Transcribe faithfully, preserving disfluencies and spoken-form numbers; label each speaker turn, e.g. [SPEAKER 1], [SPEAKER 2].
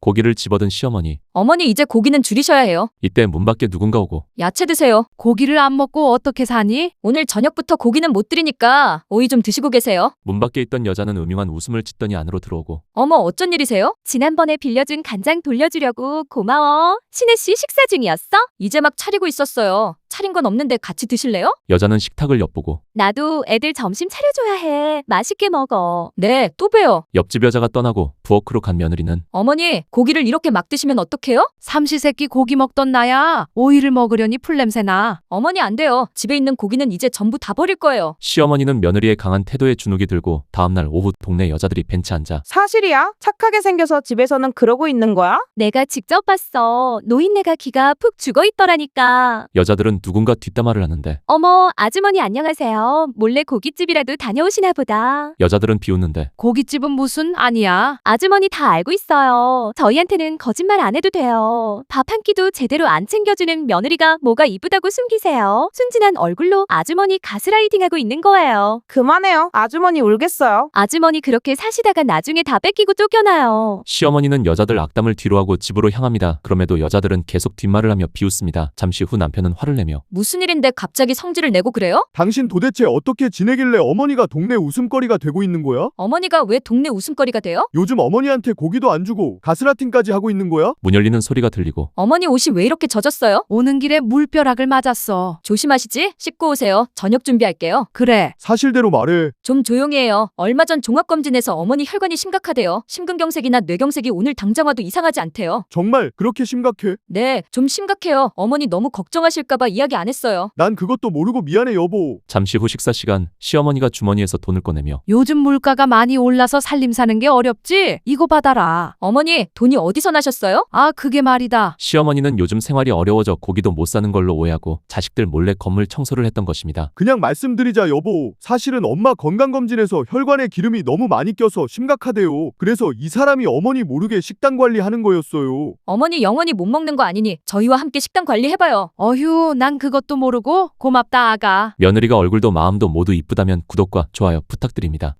[SPEAKER 1] 고기를 집어든 시어머니.
[SPEAKER 2] 어머니 이제 고기는 줄이셔야 해요.
[SPEAKER 1] 이때 문 밖에 누군가 오고
[SPEAKER 2] 야채 드세요.
[SPEAKER 3] 고기를 안 먹고 어떻게 사니?
[SPEAKER 2] 오늘 저녁부터 고기는 못 드리니까 오이 좀 드시고 계세요.
[SPEAKER 1] 문 밖에 있던 여자는 음흉한 웃음을 짓더니 안으로 들어오고
[SPEAKER 2] 어머 어쩐 일이세요?
[SPEAKER 4] 지난번에 빌려준 간장 돌려주려고 고마워. 신혜 씨 식사 중이었어?
[SPEAKER 2] 이제 막 차리고 있었어요. 차린 건 없는데 같이 드실래요?
[SPEAKER 1] 여자는 식탁을 엿보고
[SPEAKER 4] 나도 애들 점심 차려줘야 해. 맛있게 먹어.
[SPEAKER 2] 네, 또 봬요.
[SPEAKER 1] 옆집 여자가 떠나고 부엌으로 간 며느리는
[SPEAKER 2] 어머니, 고기를 이렇게 막 드시면 어떡해요?
[SPEAKER 3] 삼시세끼 고기 먹던 나야. 오이를 먹으려니 풀냄새나.
[SPEAKER 2] 어머니 안 돼요. 집에 있는 고기는 이제 전부 다 버릴 거예요.
[SPEAKER 1] 시어머니는 며느리의 강한 태도에 주눅이 들고 다음날 오후 동네 여자들이 벤치 앉아
[SPEAKER 5] 사실이야? 착하게 생겨서 집에서는 그러고 있는 거야?
[SPEAKER 4] 내가 직접 봤어. 노인네가 기가 푹 죽어 있더라니까.
[SPEAKER 1] 여자들은 누군가 뒷담화를 하는데
[SPEAKER 4] 어머, 아주머니 안녕하세요. 몰래 고깃집이라도 다녀오시나 보다.
[SPEAKER 1] 여자들은 비웃는데
[SPEAKER 3] 고깃집은 무슨 아니야.
[SPEAKER 4] 아주머니 다 알고 있어요. 저희한테는 거짓말 안 해도 돼요. 밥 한 끼도 제대로 안 챙겨주는 며느리가 뭐가 이쁘다고 숨기세요. 순진한 얼굴로 아주머니 가스라이팅하고 있는 거예요.
[SPEAKER 5] 그만해요. 아주머니 울겠어요.
[SPEAKER 4] 아주머니 그렇게 사시다가 나중에 다 뺏기고 쫓겨나요.
[SPEAKER 1] 시어머니는 여자들 악담을 뒤로하고 집으로 향합니다. 그럼에도 여자들은 계속 뒷말을 하며 비웃습니다. 잠시 후 남편은 화를 내며
[SPEAKER 2] 무슨 일인데 갑자기 성질을 내고 그래요?
[SPEAKER 6] 당신 도대체 어떻게 지내길래 어머니가 동네 웃음거리가 되고 있는 거야?
[SPEAKER 2] 어머니가 왜 동네 웃음거리가 돼요?
[SPEAKER 6] 요즘 어머니한테 고기도 안 주고 가스라팅까지 하고 있는 거야?
[SPEAKER 1] 문 열리는 소리가 들리고
[SPEAKER 2] 어머니 옷이 왜 이렇게 젖었어요?
[SPEAKER 3] 오는 길에 물벼락을 맞았어.
[SPEAKER 2] 조심하시지? 씻고 오세요. 저녁 준비할게요.
[SPEAKER 3] 그래.
[SPEAKER 6] 사실대로 말해.
[SPEAKER 2] 좀 조용히 해요. 얼마 전 종합검진에서 어머니 혈관이 심각하대요. 심근경색이나 뇌경색이 오늘 당장 와도 이상하지 않대요.
[SPEAKER 6] 정말 그렇게 심각해?
[SPEAKER 2] 네, 좀 심각해요. 어머니 너무 걱정하실까봐 이야기 안 했어요.
[SPEAKER 6] 난 그것도 모르고 미안해 여보.
[SPEAKER 1] 잠시 후 식사 시간 시어머니가 주머니에서 돈을 꺼내며
[SPEAKER 3] 요즘 물가가 많이 올라서 살림 사는 게 어렵지? 이거 받아라.
[SPEAKER 2] 어머니, 돈이 어디서 나셨어요?
[SPEAKER 3] 아, 그게 말이다.
[SPEAKER 1] 시어머니는 요즘 생활이 어려워져 고기도 못 사는 걸로 오해하고 자식들 몰래 건물 청소를 했던 것입니다.
[SPEAKER 6] 그냥 말씀드리자 여보. 사실은 엄마 건강검진에서 혈관에 기름이 너무 많이 껴서 심각하대요. 그래서 이 사람이 어머니 모르게 식단 관리하는 거였어요.
[SPEAKER 2] 어머니 영원히 못 먹는 거 아니니 저희와 함께 식단 관리해봐요.
[SPEAKER 3] 어휴, 난 그것도 모르고 고맙다, 아가.
[SPEAKER 1] 며느리가 얼굴도 마음도 모두 이쁘다면 구독과 좋아요 부탁드립니다.